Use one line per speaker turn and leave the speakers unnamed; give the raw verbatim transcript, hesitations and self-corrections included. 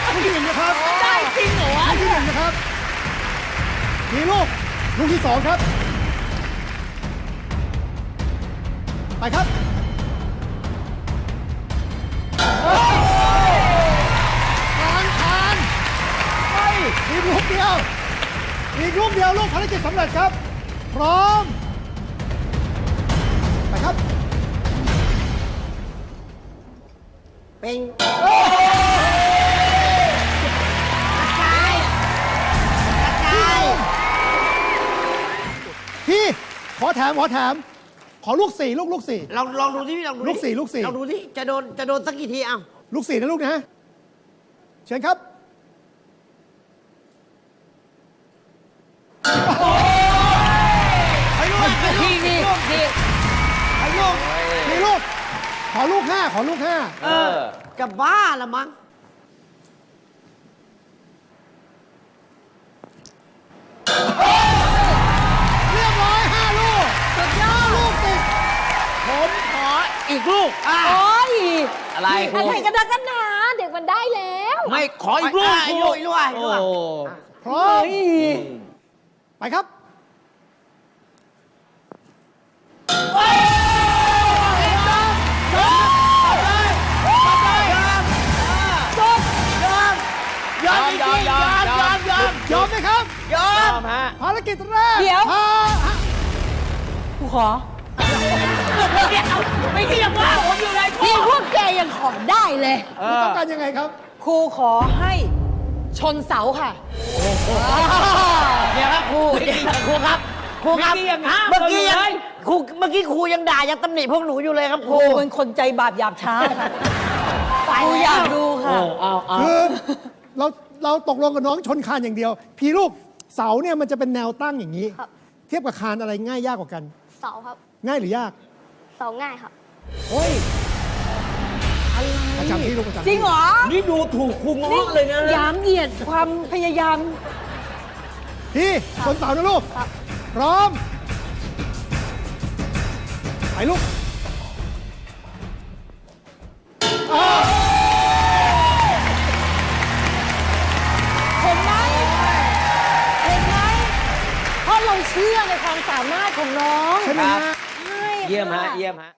ลูกที่หนึ่งนะครับ
ได้จริงเหรอวะ
ลูกที่หนึ่งนะครับมีลูกลูกที่สองครับไปครับทานทานไปอีกลูกเดียวอีกลูกเดียวลูกภารกิจสำเร็จครับพร้อมไปครับ
เป็น
พี่ขอแถมขอแถมขอลูกสี่ลูกลูกสี่
ลองลองดูที่ลองดู
ลูกสี่ลูกสี่
ลองดูที่จะโดนจะโดนสักกี่ทีเอ้า
ลูกสี่นะลูกนะเชิญครับไปลูก
ดีดีดี
ไปลูกมีลูกขอลูกห้าขอลูกห้า
เออกับบ้าละมั้ง
เรียบร้อยห้าลูก
สุดยอด
ลูกติด
ผมขออีกลูก
โอ้ย
อะไรครู
อะไรกันนะกันหนาเด็กมันได้แล้ว
ไม่ขออีกลูก
อ่ะ
ค
อี
รู
กลูกอีกลูกอีกลูก
โอ้
อ่ะ
พร้อมไปครับยอม
ยอมยอมยอมยอม
ยอมไหมครับ
ยอย
อ
ม
มฮะ
ภารกิจแรก
เดี๋ยว
พา
กูขอ
ไม่เรียกว่าผมอยู่ในครู
นี่พวกแกยังขอได้เลย
คุณต้องการยังไงครับ
ครูขอให้ชนเสาค่ะ
เดี๋ยวครับครูเดี๋ยวครูครับครูครับ
เมื่อกี้ยังห้าม
เมื่อกี้ยัง
เลย
ครูเมื่อกี้ครูยังด่ายังตำหนิพวกหนูอยู่เลยครับค
ค
รู
รูเป็นคนใจบาปหยาบช้าค่ะครูอยากดูค่ะ
เอาเอา
คือเราเราตกลงกับน้องชนคานอย่างเดียว พี่ลูกเสาเนี่ยมันจะเป็นแนวตั้งอย่างนี้
ครับ
เทียบกับคานอะไรง่ายยากกว่ากัน
เสาครับ
ง่ายหรือยาก
เสาง่ายครับ
โอ้ยประจำที่ลูกประจำที่
จริงเหรอ
นี่ดูถูกครูง้อเลยนะ
ยามเหยียดความพยายาม
พี่ชนเสานะลูก
ครับ
พร้อมไปลูก
เห็นไหมเห็นไหมเพราะเราเชื่อในความสามารถของน้อง
ใช่ไหมฮะ
ใช่
เยี่ยมฮะ
ค่
เยี่ยมฮะ